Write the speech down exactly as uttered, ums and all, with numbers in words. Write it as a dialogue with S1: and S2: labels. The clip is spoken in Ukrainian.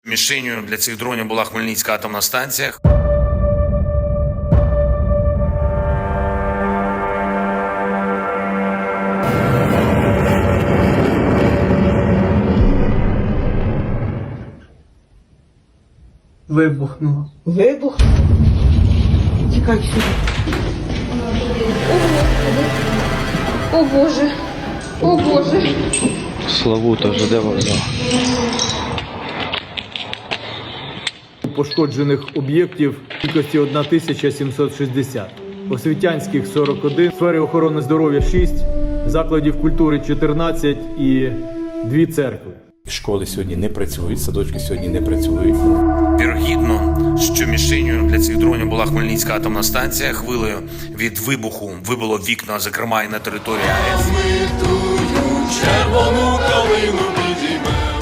S1: Мішенью для цих дронів була Хмельницька атомна станція.
S2: Вибухнуло.
S3: Вибух. Тікай сюди. О Боже. О Боже.
S4: Славута, ЖД вокзал.
S2: Пошкоджених об'єктів кількості тисяча сімсот шістдесят. Освітянських сорок один, сфери охорони здоров'я шість, закладів культури чотирнадцять і дві церкви.
S5: Школи сьогодні не працюють, садочки сьогодні не працюють.
S1: Вірогідно, що мішенью для цих дронів була Хмельницька атомна станція. Хвилею від вибуху вибило вікна, зокрема і на території АЕС.
S6: Ми тую червону калину підіймемо.